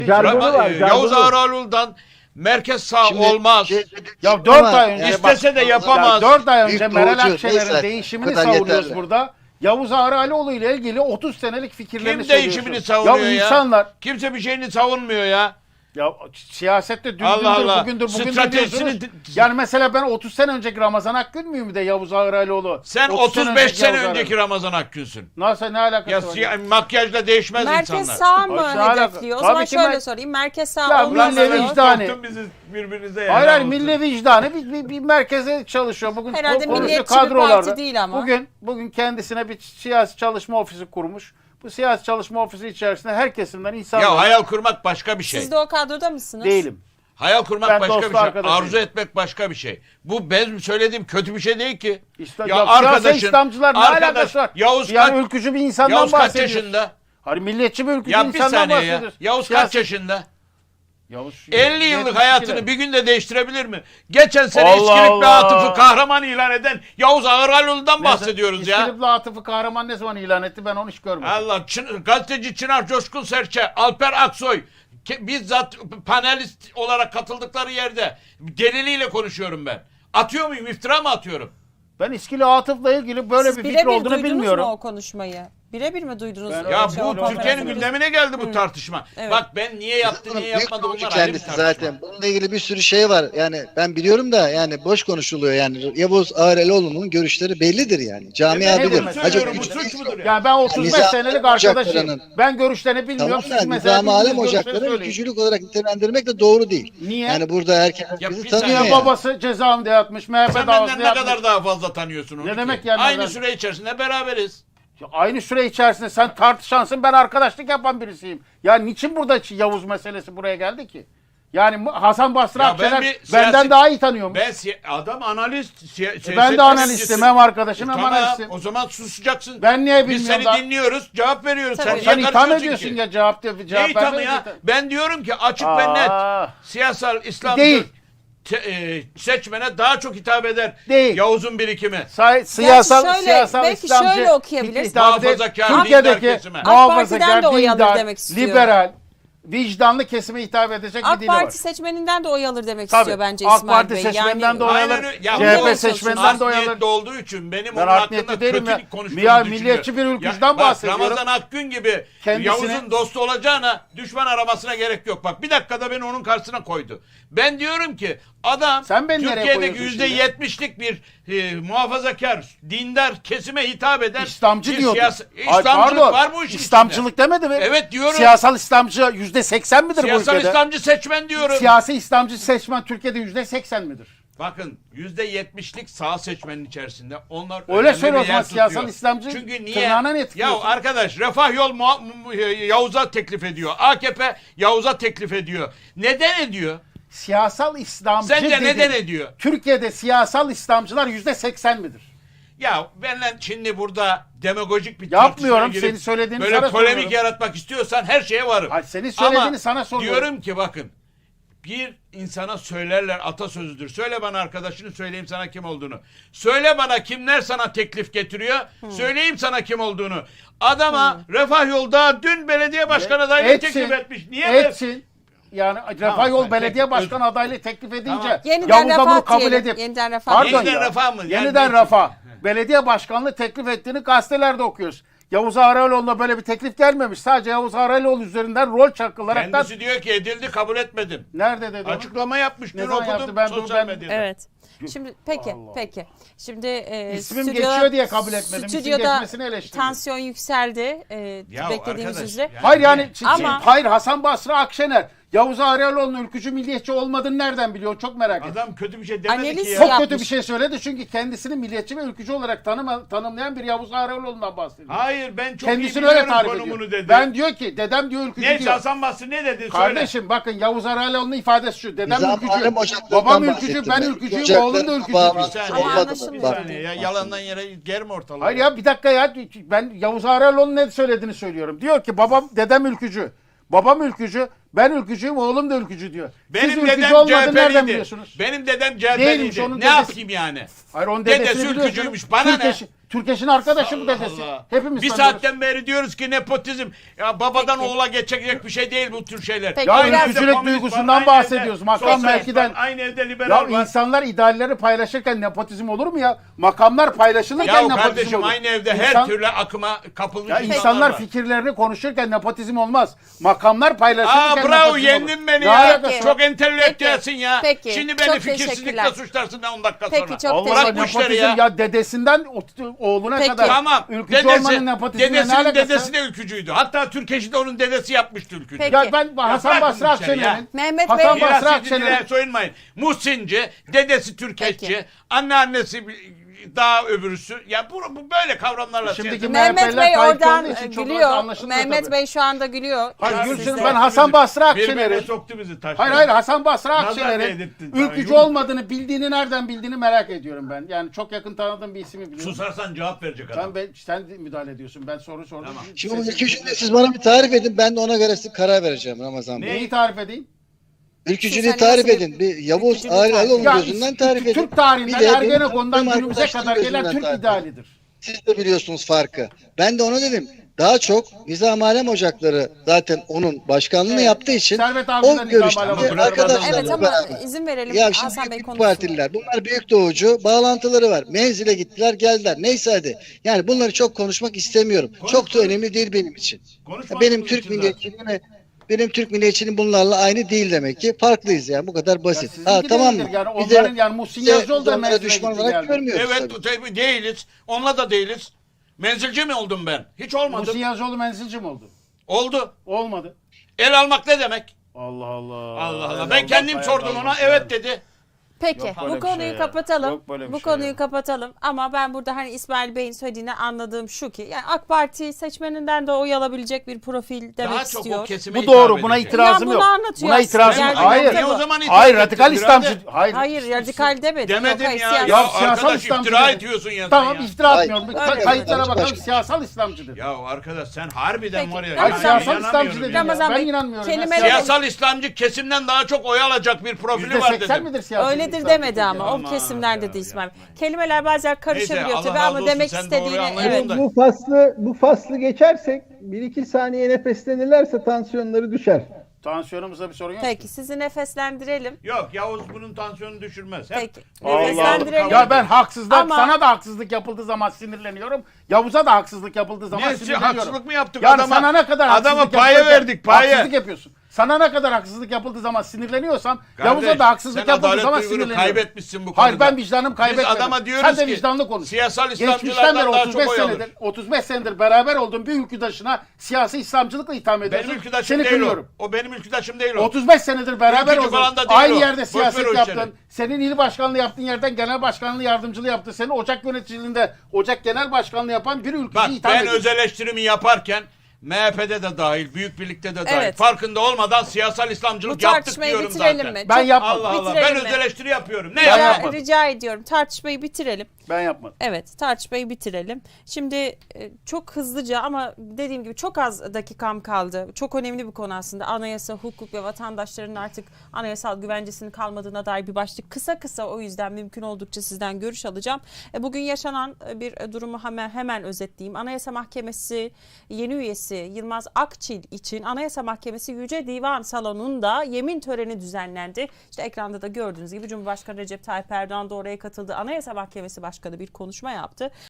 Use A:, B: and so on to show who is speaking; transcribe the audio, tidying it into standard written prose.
A: Jargonu var,
B: Yavuz
A: jargonu.
B: Ağraloğlu'dan merkez sağ
C: Şimdi
B: olmaz.
D: Ya 4 ay önce
B: İstese de yapamaz.
D: 4 ay önce
C: Büyük
D: Meral
C: doğrucu,
D: Akşener'in
C: neyse,
D: değişimini
C: bu kadar
D: savunuyoruz
C: yeterli.
D: burada. Yavuz Ağraloğlu ile ilgili 30 senelik fikirlerini
B: Kim
D: söylüyorsun.
B: değişimini savunuyor ya?
D: insanlar
B: Kimse bir şeyini savunmuyor ya.
D: ya siyasette dün
B: Allah
D: dündür,
B: Allah.
D: bugündür
B: Stratejisini-
D: diyorsunuz. Yani mesela ben 30 sene önceki Ramazan Akgün müyüm de Yavuz Ağraloğlu?
B: Sen
D: 30
B: 35 sene
D: Yavuz
B: önceki Ramazan Akgün'sün.
D: Nasıl ne alakası
B: Ya
D: var?
B: makyajla değişmez
E: Merkez
B: insanlar.
E: sağ mı
D: Ay, ne alaka?
E: hedefliyor? O
D: Tabii
E: zaman
D: ki
E: şöyle sorayım. Merkez sağ
D: Ya
E: olmaz
D: milli
E: diyor.
D: vicdanı.
B: Soktun bizi birbirinize ya.
D: Hayır hayır
B: Helal olsun.
D: milli vicdanı bir merkeze çalışıyor. Bugün
E: Herhalde
D: konuşuyor
E: milliyetçi bir
D: kadrolarda.
E: parti değil ama.
D: Bugün kendisine bir siyasi çalışma ofisi kurmuş. Bu siyasi çalışma ofisi içerisinde her kesimden insanlar
B: Ya hayal kurmak başka bir şey.
E: Siz de o kadroda mısınız?
D: değilim.
B: Hayal kurmak
D: Ben
B: başka
D: dost
B: bir şey.
D: arkadaşıyım.
B: Arzu etmek başka bir şey. Bu benim söylediğim kötü bir şey değil ki.
D: Ya siyasi İslamcılar ne alakası var?
B: Yavuz
D: Yani
B: kaç,
D: ülkücü bir insandan
B: Yavuz kaç
D: bahsediyoruz.
B: yaşında?
D: Hani milliyetçi bir ülkücü
B: Ya bir
D: insandan
B: saniye ya.
D: bahsediyoruz.
B: Yavuz kaç yaşında?
D: Yavuz
B: 50 yıllık
D: 72'ler.
B: hayatını bir günde değiştirebilir mi? Geçen sene
D: Allah
B: İskilipli
D: Allah.
B: Atıf'ı kahraman ilan eden Yavuz Ağraloğlu'ndan bahsediyoruz ya.
D: İskilipli Atıf'ı kahraman ne zaman ilan etti ben onu hiç görmedim.
B: Allah gazeteci Çınar Coşkun Serçe, Alper Aksoy bizzat panelist olarak katıldıkları yerde deliliyle konuşuyorum ben. Atıyor muyum? İftira mı atıyorum?
D: Ben İskili Atıf'la ilgili böyle
E: Siz
D: bir fikir
E: birebir
D: olduğunu
E: duydunuz
D: bilmiyorum.
E: mu o konuşmayı? Birebir mi duydunuz?
D: Ben-
E: o
B: Ya
E: şey, o
B: bu
E: konferansı?
B: Türkiye'nin gündemine geldi bu tartışma.
E: Evet.
B: Bak ben niye yaptı, niye
C: Büyük
B: yapmadı
C: doğrucu
B: bunlar ayrı bir
C: kendisi
B: tartışma.
C: zaten. Bununla ilgili bir sürü şey var. Yani ben biliyorum da yani boş konuşuluyor yani. Yavuz Ağraloğlu'nun görüşleri bellidir yani. Camia
D: Ne
C: bilir.
D: demek
C: Hacı
B: söylüyorum, bu
C: Hüseyin-
B: suç mudur ya?
D: Yani ben 35
C: Nizam
D: senelik
C: Ocakları'nın-
D: arkadaşıyım. Ben görüşlerini bilmiyorum.
C: Tamam
D: Siz
C: da
D: mesela
C: Nizam-ı Alem
D: bildiğiniz görüşleri
C: Ocakları
D: söyleyin.
C: ülkücülük olarak nitelendirmek de doğru değil.
D: Niye?
C: Yani burada herkes
B: Ya
C: bizi
B: bir
C: tanıyor
B: saniye
D: Niye
C: yani.
D: babası cezaevinde yatmış, MHP
B: Sen
D: davasında
B: benden ne
D: yatmış.
B: kadar daha fazla tanıyorsun onu
D: Ne
B: ki?
D: demek yani
B: Aynı
D: ben-
B: süre içerisinde beraberiz.
D: Ya aynı süre içerisinde sen tartışansın, ben arkadaşlık yapan birisiyim. Ya niçin burada Yavuz meselesi buraya geldi ki? Yani Hasan Basri
B: Ya ben
D: Akşener
B: bir
D: benden
B: siyasi-
D: daha iyi tanıyormuş.
B: Adam analist.
D: Ben de analistim, hem arkadaşım hem
B: Tamam,
D: analistim.
B: o zaman susacaksın.
D: Ben niye
B: Biz
D: bilmiyorum
B: seni
D: da-
B: dinliyoruz, cevap veriyoruz.
E: Tabii.
B: Sen
D: Sen
B: niye
D: itham
B: karışıyorsun
D: ediyorsun
B: ki?
D: ya cevap
B: Ne ithamı
D: vermiyorsun
B: ya?
D: ki.
B: Ben diyorum ki açık ve net. Siyasal İslamcı
D: Değil.
B: seçmene daha çok hitap eder.
D: Değil.
B: Yavuz'un birikimi.
D: Siyasal
E: şöyle, belki
D: İslamcı
E: şöyle okuyabiliriz.
D: hitap eder.
B: Muhafazakar, dindar
D: Türkiye'deki
B: kesime.
E: AK Parti'den
D: muhafazakar,
E: de oy alır
D: dindar,
E: demek istiyor.
D: liberal, vicdanlı kesime hitap edecek bir
E: AK
D: dili var.
E: Parti seçmeninden de oy alır demek
D: Tabii.
E: istiyor bence
D: AK
E: İsmail
D: Parti
E: Bey.
D: seçmeninden de oy
B: Aynen
D: alır.
B: öyle. Ya
D: CHP
B: bu
D: seçmeninden de oy alır.
B: niyetli olduğu için benim
D: Ben
B: onun
D: art
B: hakkında
D: niyetli değilim ya.
B: kötü konuştuğumu
D: Ya
B: düşünüyor.
D: milliyetçi bir ülkücüden
B: Ya bak,
D: bahsediyorum.
B: Ramazan Akgün gibi
D: Kendisine-
B: Yavuz'un dostu olacağına düşman aramasına gerek yok. Bak bir dakikada beni onun karşısına koydu. Ben diyorum ki adam
D: Sen beni nereye
B: Türkiye'deki
D: koyuyorsun şimdi?
B: %70'lik bir muhafazakar, dindar kesime hitap eden
D: İslamcı
B: bir
D: diyordu. Ay,
B: İslamcılık
D: pardon.
B: var bu işin
D: İslamcılık demedi mi?
B: Evet diyorum.
D: Siyasal İslamcı %80 midir bu
B: Siyasal
D: ülkede?
B: İslamcı seçmen diyorum.
D: Siyasi İslamcı seçmen Türkiye'de %80 midir?
B: Bakın %70'lik sağ seçmenin içerisinde onlar
D: Öyle
B: önemli
D: söyle
B: bir
D: o zaman,
B: yer
D: siyasal
B: tutuyor.
D: İslamcı
B: Çünkü niye?
D: tırnağına ne
B: Ya
D: tıkıyorsun?
B: arkadaş Refah Yol Yavuz'a teklif ediyor. AKP Yavuz'a teklif ediyor. Neden ediyor?
D: Siyasal İslamcı
B: Sence
D: dedi.
B: neden ediyor?
D: Türkiye'de siyasal İslamcılar %80 midir?
B: Ya benle şimdi burada demagojik bir
D: Yapmıyorum,
B: tartışmaya girip
D: senin söylediğini
B: böyle
D: sana
B: polemik
D: soruyorum.
B: yaratmak istiyorsan her şeye varım.
D: Hayır, senin söylediğini
B: Ama
D: sana soruyorum.
B: diyorum ki bakın bir insana söylerler atasözüdür. Söyle bana arkadaşını söyleyeyim sana kim olduğunu. Söyle bana kimler sana teklif getiriyor. Söyleyeyim sana kim olduğunu. Adama Refah Yolda dün belediye başkanı adaylığı teklif etmiş. Niye?
D: Etsin. Yani Refah Yol
B: Tamam,
D: Belediye
B: peki,
D: Başkanı adaylığı teklif edince
B: Tamam.
E: Yeniden
D: Yavuz da bunu
E: Refah
D: kabul
E: diyelim.
D: edip
E: Yeniden Refah.
D: Pardon
B: Yeniden
D: ya.
B: Refah mı? Yani
D: Yeniden
B: belki-
D: Refah. Belediye başkanlığı teklif ettiğini gazetelerde okuyoruz. Yavuz Ağraloğlu'na böyle bir teklif gelmemiş. Sadece Yavuz Ağraloğlu üzerinden rol çakılarak
B: Kendisi diyor ki edildi kabul etmedim.
D: nerede dedi onu?
B: Açıklama yapmış.
D: Ne
B: Dün
D: zaman
B: okudum
D: yaptı? Ben-
B: sosyal
D: ben-
B: medyada.
E: Evet. Şimdi peki,
D: Allah.
E: peki. Şimdi
D: İsmim
E: stüdyoda-
D: geçiyor diye kabul etmedim. İsim
E: Stüdyoda
D: geçmesini eleştiriyorum.
E: tansiyon yükseldi.
B: Ya
E: Beklediğimiz
B: arkadaş,
E: üzere.
D: Hayır yani
E: Ama-
D: hayır Hasan Basri Akşener Yavuz Ağraloğlu'nun ülkücü milliyetçi olmadığını nereden biliyor? Çok merak ettim.
B: Adam kötü bir şey demedi
E: Analiz
B: ki ya.
D: Çok
E: yapmış.
D: kötü bir şey söyledi çünkü kendisini milliyetçi ve ülkücü olarak tanımlayan bir Yavuz Ağraloğlu'ndan bahsediyor.
B: Hayır ben çok
D: Kendisini
B: iyi
D: öyle
B: biliyorum
D: tarif
B: konumunu
D: ediyor.
B: dedi.
D: Ben diyor ki dedem diyor ülkücü
B: Neyse
D: diyor.
B: Hasan Basri ne dedi? Söyle.
D: Kardeşim bakın Yavuz Ağraloğlu'nun ifadesi şu. Dedem
C: Nizam
D: ülkücü,
C: Alem Ocakları'ndan
D: babam ülkücü,
C: bahsettim
D: ben
C: ben.
D: ülkücüyüm,
C: Ocakların
D: oğlum da ülkücü
C: babam-
D: diyor.
B: Bir saniye,
E: Ama
C: Olmadı mı?
E: anlaşılmıyor.
B: bir
C: Bak.
B: saniye ya yalandan yere germe ortalığı.
D: Hayır ya bir dakika ya ben Yavuz Ağraloğlu'nun ne söylediğini söylüyorum. Diyor ki dedem ülkücü. Babam ülkücü, ben ülkücüyüm, oğlum da ülkücü diyor. Siz
B: Benim
D: ülkücü
B: dedem
D: olmadığını nereden
B: CHP'liydi.
D: biliyorsunuz?
B: Benim dedem
D: Değilmiş,
B: CHP'liydi.
D: onun
B: Ne
D: dedesi-
B: yapayım yani?
D: Hayır onun
B: Dedesi
D: dedesini
B: ülkücüymüş,
D: biliyorsunuz.
B: bana ne?
D: Türkeş'in arkadaşı bu
B: Allah
D: dedesi.
B: Allah.
D: Hepimiz
B: bir
D: tanıyoruz.
B: saatten beri diyoruz ki nepotizm. Ya babadan
E: Peki.
B: oğula geçecek bir şey değil bu tür şeyler.
E: Peki,
D: Ya
E: Aynı evde
D: ülkücülük
B: komünist var,
D: duygusundan
B: aynı
D: bahsediyoruz.
B: evde
D: Makam
B: sosyalist
D: mevkiden.
B: var, aynı evde
D: Ya
B: liberal var.
D: insanlar idealleri paylaşırken nepotizm olur mu ya? Makamlar paylaşılırken
B: Ya
D: nepotizm
B: kardeşim
D: olur.
B: aynı evde her
D: İnsan-
B: türlü akıma kapılmış
D: Ya
B: insanlar
D: insanlar
B: var.
D: fikirlerini konuşurken nepotizm olmaz. Makamlar paylaşılırken
B: Bravo
D: nepotizm
B: yendin
D: olur.
B: beni
D: Ne
B: ya.
D: alakası var?
B: Çok entelektüelsin ya.
E: Peki.
B: Şimdi beni
E: Çok
B: fikirsizlikle
E: teşekkürler.
B: suçlarsın 10 dakika
E: Peki,
B: sonra.
E: çok
D: Allah
B: Bırak bu işleri
D: nepotizm
B: ya.
D: ya dedesinden oğluna
E: Peki.
D: kadar.
B: Tamam.
D: Ülkücü olmanın nepotizmle ne
B: Dedesinin
D: alakası?
B: dedesi de ülkücüydü. Hatta Türkeş'i de onun dedesi yapmıştı ülkücü.
E: Peki.
D: Ya ben Hasan
B: bırakın
D: Basri
B: bu işleri ya.
D: Akşener'in
E: Mehmet
D: Hasan
E: Bey-
D: Basri
B: Mirasçı
D: Akşener'in
B: dilere soyunmayın. Muhsinci, dedesi Türkeşçi,
E: Peki.
B: anneannesi daha öbürüsü. Ya bu böyle kavramlarla
D: Şimdiki
B: siyaset-
E: Mehmet
D: MHP'ler
E: Bey
D: Tayyipçi
E: oradan
D: olduğu için çok
E: gülüyor.
D: anlaşılmıyor
E: Mehmet
D: tabii.
E: Bey şu anda gülüyor.
D: Hayır,
E: Ya
D: Gülsün,
E: sizde-
D: ben Hasan Basri
B: Birbirine
D: Akşener'in
B: soktu bizi taş.
D: Hayır Hasan Basri
B: Nazar
D: Akşener'in
B: değdirttin sana,
D: ülkücü
B: yuh.
D: olmadığını bildiğini nereden bildiğini merak ediyorum ben. Yani çok yakın tanıdığım bir ismi biliyorum.
B: Susarsan cevap verecek adam.
D: Sen müdahale ediyorsun. Ben soru sordum.
B: Tamam.
C: Şimdi bu ülkücülüğü siz bana bir tarif edin. Ben de ona göre size karar vereceğim Ramazan Bey.
D: Neyi tarif edeyim?
C: Ülkücülüğü
E: Siz
C: tarif
E: hani nasıl
C: edin. Bir Yavuz
E: ülkücülüğü
C: Ağrı
E: tarif
C: Aloğlu
D: Ya
C: gözünden tarif edin.
D: Türk tarihinden
C: Bir de benim
D: Ergenekon'dan
C: tanıdığım
D: günümüze
C: arkadaşlarım
D: kadar gelen
C: gözünden
D: Türk
C: tarif edin.
D: idealidir.
C: Siz de biliyorsunuz farkı. Ben de ona dedim. Daha çok Nizam Alem Ocakları zaten onun başkanlığını
D: Evet.
C: yaptığı için
D: Servet
C: o
D: abiden Nizam
C: görüşte
D: Alem Ocakları
C: arkadaşlarla
E: Evet ama
C: beraber.
E: izin verelim
C: Ya
E: Hasan
C: şimdi
E: Bey
C: Büyük
E: konuşsun.
C: Partililer, bunlar büyük doğucu bağlantıları var. Menzile gittiler, geldiler. Neyse hadi. Yani bunları çok konuşmak istemiyorum. Çok da önemli değil benim için.
B: Konuşmadığımız
C: Benim Türk
B: için
C: milliyetçiliğime benim Türk milliyetçiliğim bunlarla aynı değil demek ki. Farklıyız yani. Bu kadar basit.
D: sizinki
C: Ha tamam mı?
D: değildir yani.
C: Bir de-
D: Onların yani Muhsin
C: bir de
D: Yazıcıoğlu da
C: onlara
D: menzile
C: düşman
D: gitti
C: olarak
D: geldi.
C: görmüyoruz
B: Evet
C: tabii.
B: tabii değiliz. Onunla da değiliz. Menzilci mi oldum ben? Hiç olmadım.
D: Muhsin Yazıcıoğlu menzilci mi oldu?
B: Oldu.
D: Olmadı.
B: El almak ne demek?
D: Allah Allah.
B: Allah Allah.
D: El
B: Ben
D: almak,
B: kendim
D: ayak
B: sordum ona.
D: almak
B: Evet
D: yani.
B: dedi.
E: Peki
D: Yok böyle
E: bu
D: bir
E: konuyu
D: şey ya.
E: kapatalım.
D: Yok böyle bir
E: Bu
D: şey
E: konuyu
D: ya.
E: kapatalım ama ben burada hani İsmail Bey'in söylediğini anladığım şu ki yani AK Parti seçmeninden de oy alabilecek bir profil demek
B: Daha çok
E: istiyor.
B: o kesime
D: Bu doğru.
B: hitap
D: Buna
B: edecek.
D: itirazım
E: Ya
D: yok.
E: bunu anlatıyor
D: Buna
E: aslında.
D: itirazım yok.
E: Gerçekten
D: Hayır.
E: de bu.
B: O zaman
D: Hayır
B: itiraz
D: radikal
B: ettin
D: İslamcı.
B: birader.
D: Hayır.
E: Radikal demedim.
B: Demedim
E: Yok, hayır,
B: ya.
E: siyasi.
B: Ya
D: siyasal
B: arkadaş
D: İslamcı
B: iftira
D: dedi.
B: ediyorsun ya.
D: Tamam
B: sen ya.
D: iftira
C: Hayır.
D: atmıyorum.
E: Öyle
D: Kayıtlara
C: mi?
D: bakalım siyasal İslamcıdır.
B: Ya arkadaş sen harbiden
E: Peki.
B: var ya.
E: Hayır,
B: yani
D: siyasal
B: inanamıyorum
D: İslamcı
B: ya.
D: dedim ya.
E: Ramazan
D: Ben
E: Bey,
D: inanmıyorum. ya.
E: kelimeleri-
B: Siyasal İslamcı kesimden daha çok oy alacak bir profili var
D: %80
B: dedim.
D: midir siyasal
E: Öyledir
D: İslamcı
E: demedi
D: dedi
E: ama
D: ya.
E: o
B: Aman
E: kesimler
B: ya,
E: dedi İsmail.
B: yapma ya.
E: Kelimeler bazen karışabiliyor
B: Neyse,
E: tabii
B: Allah
E: ama
B: razı
E: demek
B: olsun, sen doğruyu
E: istediğini
B: anlayın
E: evet.
B: da.
A: Bu faslı geçersek 1-2 saniye nefeslenirlerse tansiyonları düşer.
D: Tansiyonumuzda bir sorun yok.
E: Peki sizi nefeslendirelim.
B: Yok Yavuz bunun tansiyonunu düşürmez. Hep
E: Peki.
D: Allah
E: Nefeslendirelim.
D: Allah. Ya ben haksızlık
E: Ama-
D: sana da haksızlık yapıldığı zaman sinirleniyorum. Yavuz'a da haksızlık yapıldığı zaman
B: Niye
D: sinirleniyorum.
B: haksızlık mı yaptık?
D: Yani
B: Adama-
D: sana ne kadar
B: adama
D: haksızlık
B: paye
D: yapılırken
B: verdik, paye.
D: Haksızlık yapıyorsun. Sana ne kadar haksızlık yapıldığı zaman sinirleniyorsan
B: Kardeş,
D: Yavuz'a da haksızlık
B: sen
D: yapıldığı
B: adalet
D: zaman
B: duygunu
D: sinirleniyorum.
B: kaybetmişsin bu konuda.
D: Hayır ben vicdanım kaybetmedim.
B: Biz adama diyoruz
D: Sen de
B: ki,
D: vicdanlı konuş.
B: siyasal
D: Geçmişten
B: İslamcılardan
D: beri
B: daha
D: 35
B: çok oy alır.
D: senedir 35 senedir beraber olduğum bir ülküdaşına siyasi İslamcılıkla itham ediyorsun.
B: Benim ülküdaşım
D: Seni
B: değil
D: kınıyorum.
B: o. O benim ülküdaşım değil o.
D: 35 senedir beraber
B: Ülkücü
D: oldun.
B: falan da değil
D: Aynı
B: o.
D: yerde
B: Boş ver o
D: siyaset
B: işleri.
D: yaptın. Senin il başkanlığı yaptığın yerden genel başkanlığı yardımcılığı yaptı. Senin ocak yöneticiliğinde ocak genel başkanlığı yapan bir ülkücü
B: Bak
D: itham
B: ben
D: ediyorsun.
B: öz eleştirimi yaparken MHP'de de dahil, Büyük Birlik'te de dahil.
E: Evet.
B: Farkında olmadan siyasal İslamcılık
E: Bu
B: yaptık
E: tartışmayı
B: diyorum
E: bitirelim
B: zaten.
E: mi?
D: Ben
E: Çok-
D: yapmadım.
B: Allah Allah.
E: Bitirelim
B: Ben
E: mi?
B: öz eleştiri yapıyorum. Ne
D: Ben
B: yapmadım?
E: Rica ediyorum tartışmayı bitirelim.
D: Ben yapmadım.
E: Evet tartışmayı bitirelim. Şimdi çok hızlıca ama dediğim gibi çok az dakikam kaldı. Çok önemli bir konu aslında. Anayasa, hukuk ve vatandaşların artık anayasal güvencesinin kalmadığına dair bir başlık. Kısa o yüzden mümkün oldukça sizden görüş alacağım. Bugün yaşanan bir durumu hemen özetleyeyim. Anayasa Mahkemesi yeni üyesi Yılmaz Akçil için Anayasa Mahkemesi Yüce Divan Salonu'nda yemin töreni düzenlendi. İşte ekranda da gördüğünüz gibi Cumhurbaşkanı Recep Tayyip Erdoğan da oraya katıldı. Anayasa Mahkemesi Başkanı bir konuşma yaptı.